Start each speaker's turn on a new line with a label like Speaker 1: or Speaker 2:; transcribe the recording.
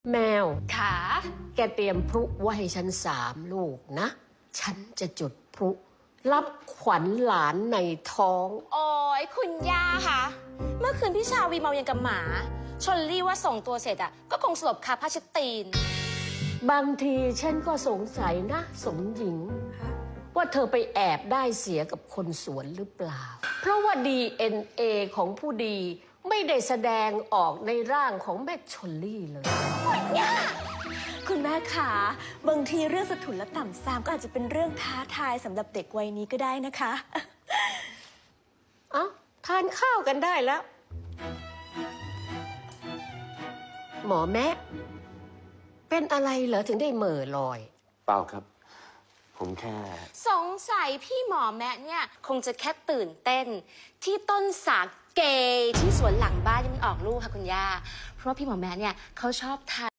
Speaker 1: แมว
Speaker 2: ค่ะ
Speaker 1: แกเตรียมพลุไว้ให้ฉัน3 ลูกนะ ฉันจะจุดพลุรับขวัญหลานในท้อง
Speaker 2: โอ้ยคุณย่าคะเมื่อคืนพี่ชาวีเมายังกับหมาชลลี่ว่าส่งตัวเสร็จอะก็คงสลบคาผ้าเช็ดตีน
Speaker 1: บางทีฉันก็สงสัยนะ สมหญิง ว่าเธอไปแอบได้เสียกับคนสวนหรือเปล่า เพราะว่า DNA ของผู้ดีไม่ได้แสดงออกในร่างของแม่ชลลี่เลย
Speaker 3: คุณแม่ขาบางทีเรื่องสถุนและต่ำซามก็อาจจะเป็นเรื่องท้าทายสำหรับเด็กวัยนี้ก็ได้นะคะ
Speaker 1: เอ้าทานข้าวกันได้แล้ว หมอแม่เป็นอะไรเหรอถึงได้เหม่อลอย
Speaker 4: เปล่าครับ ผมแค่
Speaker 2: สงสัยพี่หมอแม่เนี่ยคงจะแค่ตื่นเต้น ที่ต้นสาเกที่สวนหลังบ้านที่มันออกลูกค่ะคุณย่าเพราะว่าพี่หมอแม่เนี่ยเขาชอบทาน